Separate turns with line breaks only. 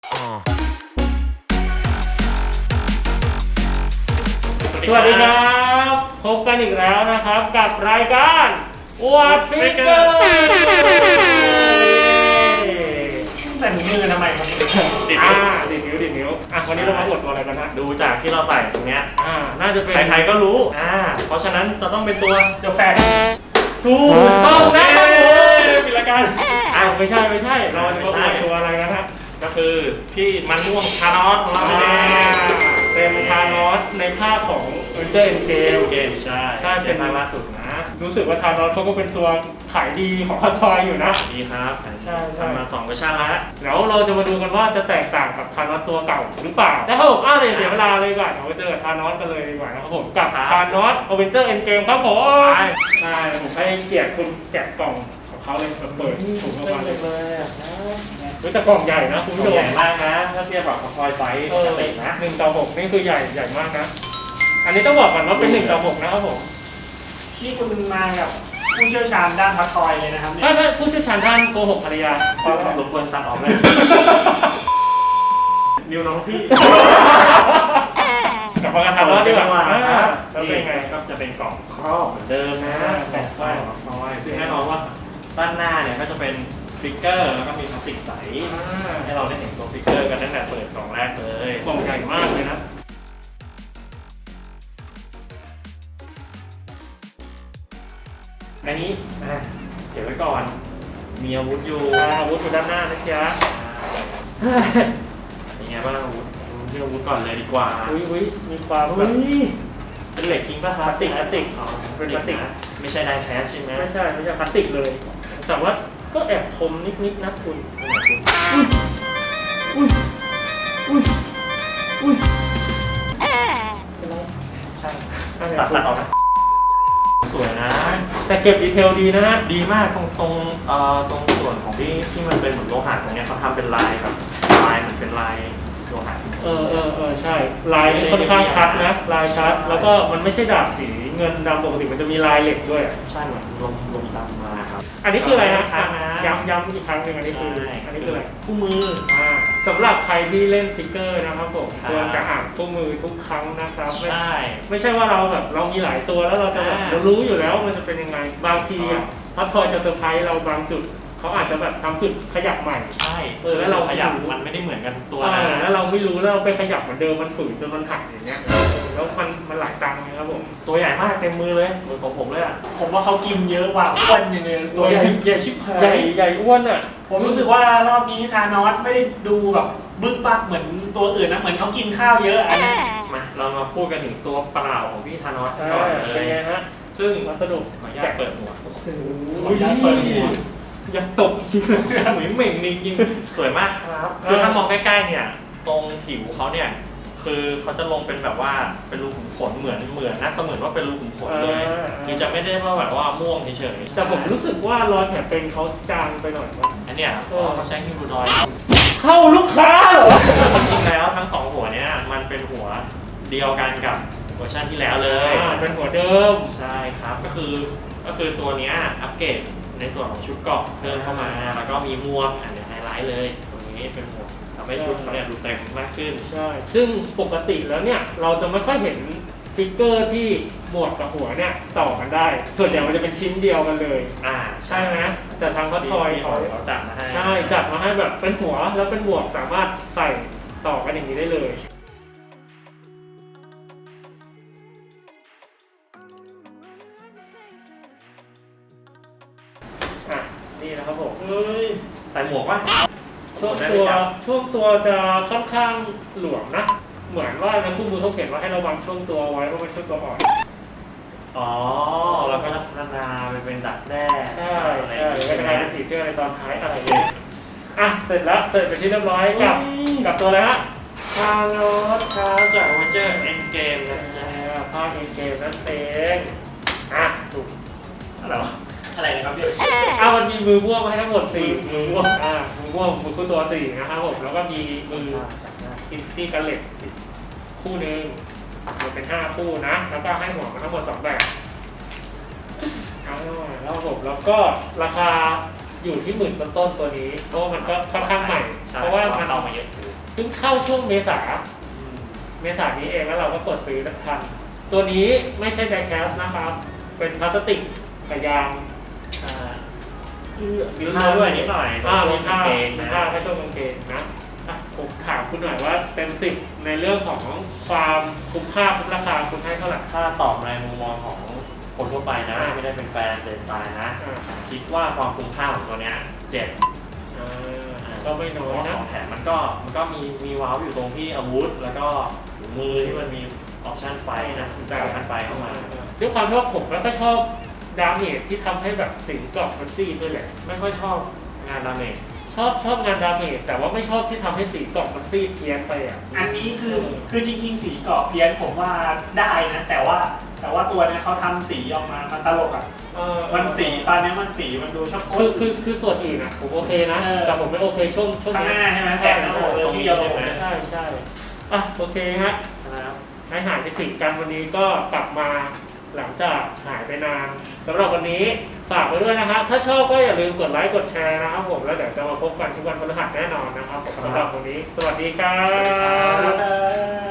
สวัสดีครับพบกันอีกแล้วนะครับกับรายการอวดฟิกเกอร์
ใส่ถุงมือทำไมครับดิด
นิ้ววันนี้เรามาอวดตัวอะไรกันฮะ
ดูจากที่เราใส่ตรงเนี้ย
น่าจะเป็น
ใครๆก็รู้เพราะฉะนั้นจะต้องเป็นตัวเดอะแฟน
ถูกต้องนะครับผม
ปิดรายการ
ไม่ใช่เราจะมาอวดตัวอะไรกันฮะ
ก็คือพี่มันม่วงชานอสของเรา
เป็นทานอสในภาคของเจอร์เกม
ใช่เป็นภาคล่าสุดนะ
รู้สึกว่าทานอสเขาก็เป็นตัวขายดีของฮอตทอยอยู่นะ
ดีครับ
ใช่
มา2เวอร์ชันแล้ว
แล้วเราจะมาดูกันว่าจะแตกต่างกับทานอสตัวเก่าหรือเปล่าแต่ถ้าผมเสียเวลาเลยดีกว่าเราไปเจอทานอสกันเลยดีกว่านะครับผมกับทานอสอเวนเจอร์เอ็นเกมครับผมผมให้เกียรติคุณแกะกล่องของเขาเลยเปิดถุงออกมาเลยแต่กล่องใหญ่นะคุณผู้ชม
ใหญ่มากนะถ้าเทียบกับคอยไซส์ปกตินะ
1:6นี่คือใหญ่มากนะอันนี้ต้องบอกก่อนว่าเป็น1:6นะครับผม
นี่คุณมากับผู้เชี่ยวชาญด้านพัดทอยเลยนะครับ
ไม่ผู้เชี่ยวชาญด้านโกหกภรรยา
รบกวนตัดออกเลยนิวน้องพี่
กลับมากันทำรอดดีกว่าแล้วเป็นไง
ก็จะเป็นกล่องครอบเหมือนเดิมนะแปะป้ายของทอยซึ่งแน่นอนว่าด้านหน้าเนี่ยก็จะเป็นฟิกเกอร์แล้วก็มีพลาสติกใสให้เราได้เห็นตัวฟิกเกอร์กันตั้งแต่เปิดกล่องแรกเลย
กล่องใหญ่มากเลยนะ
อันนี้เก็บไว้ก่อนมีอาวุธอยู่
ด้านหน้านะจ๊ะ
เป็นไงบ้างอาวุธก่อนเลยดีกว่า
มีความ
เป็นเหล็กจริงป่ะครับ
พลาสติก
เป็นพลาสติกไม่ใช่ไดแคชใช่ไหม
ไม่ใช่พลาสติกเลยแต่ว่าก็แอบคมนิดนะคุณ
ใช่ตัดออกสวยนะ
แต่เก็บดีเทลดีนะ
ดีมากตรงส่วนของที่มันเป็นเหมือนโลหะตรงนี้เขาทำเป็นลายแบบลายเหมือนเป็นลายโลหะ
ใช่ลายค่อนข้างชัดนะลายชัดแล้วก็มันไม่ใช่ดาบสีเงินดำปกติมันจะมีลายเหล็กด้วย
ใช่เหมือนลมดำมาครับ
อันนี้คืออะไรนะย้ำอีกครั้งหนึ่งอันนี้คืออะไร
คู่มือ
สำหรับใครที่เล่นฟิกเกอร์นะครับผมควรจะอ่านคู่มือทุกครั้งนะครับไม่ใช่ว่าเรามีหลายตัวแล้วเราจะเรารู้อยู่แล้วมันจะเป็นยังไงบางทีพัททอยจะเซอร์ไพรส์เราบางจุดเขาอาจจะแบบทำจุดขยับใหม่
ใช่แล้วเราขยับมันไม่ได้เหมือนกันตัว
แล้วเราไม่รู้แล้วเราไปขยับเหมือนเดิมมันฝืนจนมันหักอย่างเงี้ยแล้วมันหลายตังค์นะครับผม
ตัวใหญ่มากเต็มมือเลยมือของผมเลย
ผมว่าเขากินเยอะกว่าอ้วนอย่างเงี้ย
ตัวใหญ่ชิบหาย
ใหญ่อ้วน
ผมรู้สึกว่ารอบนี้ธานอสไม่ได้ดูแบบบึกบักเหมือนตัวอื่นนะเหมือนเขากินข้าวเยอะอันนี้
มาเรามาพูดกันถึงตัวเปล่าของพี่ธานอสก่อนเลยซึ่ง
วัสดุ
ขออนุญาตเปิดหัว
อยากตก
เหมือนเหม่งจริงสวยมากครับคือถ้ามองใกล้ๆเนี่ยตรงผิวเขาเนี่ยคือเขาจะลงเป็นแบบว่าเป็นรูขุมขนเหมือนนะเสมือนว่าเป็นรูขุมขนเลยคือจะไม่ได้ว่าแบบว่าม่วงเฉย
ๆแต่ผมรู้สึกว่ารอยแผลเป็นเขาจางไปหน่อยว่า
อันเนี้ยเขาใช้ฮิวดอย
เข้าลูกค้าเหรอ
จริงๆแล้วทั้ง2หัวเนี้ยมันเป็นหัวเดียวกันกับเวอร์ชันที่แล้วเลย
เป็นหัวเดิม
ใช่ครับก็คือตัวเนี้ยอัปเกรดในส่วนของชุดเกราะเพิ่มเข้ามาแล้วก็มีหมวกอันนี้ไฮไลท์เลยตรงนี้เป็นหมวกทำให้ชุดเขาเนี่ยดูเต็มมากขึ้น
ใช่ซึ่งปกติแล้วเนี่ยเราจะไม่ค่อยเห็นฟิกเกอร์ที่หมวกกับหัวเนี่ยต่อกันได้ส่วนใหญ่มันจะเป็นชิ้นเดียวกันเลยใช่ไหมแต่ทางพัททอย
เขาจัดมาให้
ใช่จัดมาให้แบบเป็นหัวแล้วเป็นหมวกสามารถใส่ต่อกันอย่างนี้ได้เลยนี่นะครับผม
ใส่หมวกวะ
ช่วงตัวจะค่อนข้างหลวมนะเหมือนว่าในคู่มือเขาเขียนว่าให้ระวังช่วงตัวไว้เพราะมันช่วงตัวอ่อน
แล้วก็พัฒนาไปเป็นดักแด้
ใช่ก็จะกลายเป็นผีเสื้อในตอนท้ายอะไรอย่างเงี้ยเสร็จเป็นที่เรียบร้อยกับตัวอะไรฮะ
คาร์โลสครับจากวอเจอร์เอ็นเกมนะจ๊ะ
ภาคเอ็นเกมนั่นเองถูก
อะไรนะครับพี่
มันมีมือม่วงมาให้ทั้งหมด4มือม่วงมือม่วงมือคู่ตัว4นะครับผมแล้วก็มีมือที่กันเหล็กคู่นึงมันเป็น5คู่นะแล้วก็ให้หัวมาทั้งหมด2แบบแล้วผมแล้วก็ราคาอยู่ที่10,000 ต้นตัวนี้เพราะว่ามันก็ค่อนข้างใหม่เพราะว่ามัน
เอามาเยอะ
ซึ่งเข้าช่วงเมษานี้เองแล้วเราก็กดซื้อทันตัวนี้ไม่ใช่ไดแคสนะครับเป็นพลาสติกกับยาง
มีผ้าด้วยนิดหน่อย
มีผ้า
เองนะ
แค่ช่วงกางเกงนะผมถามคุณหน่อยว่าเต็ม10ในเรื่องของความคุ้มค่าคุ้มราคาคุณให้เท่าไหร่
ถ้าตอบในมุมมองของคนทั่วไปนะไม่ได้เป็นแฟนเดินตายนะคิดว่าความคุ้มค่าของตัวเนี้ย7
ก็ไม่น้อยนะ
ของแถมมันก็มีว้าวอยู่ตรงที่อาวุธแล้วก็ถุงมือที่มันมีออปชั่นไฟนะแต่ออปชั่นไฟเข้ามา
ด้วยความที่ว่าผมแล้วก็ชอบดาเมจที่ทำให้แบบสิงกรอบมันซีดด้วยแหละไม่ค่อยชอบ
งานดาเมจ
ชอบงานดาเมจแต่ว่าไม่ชอบที่ทำให้สีกรอบมันซีดเพี้ยนไปอ่ะ
อันนี้คือจริงๆสีกรอบเพี้ยนผมว่าได้นะแต่ว่าตัวนี้เขาทำสีออกมามันตลกอ่ะมันสีตอนนี้มันสีมันดูชอบ
คือส่วนอื่นอ่ะผมโอเคนะแต่ผมไม่โอเคช่วง
ข้างหน้าใช่ไหมแต่หน้าที่เดียวผม
ใช่โอเคฮะให้หายไปถึงกันวันนี้ก็กลับมาหลังจากหายไปนานสำหรับวันนี้ฝากไว้ด้วยนะฮะถ้าชอบก็อย่าลืมกดไลค์กดแชร์นะครับผมแล้วเดี๋ยวจะมาพบกันทุกวันพฤหัสแน่นอนนะครับสำหรับวันนี้สวัสดีครับ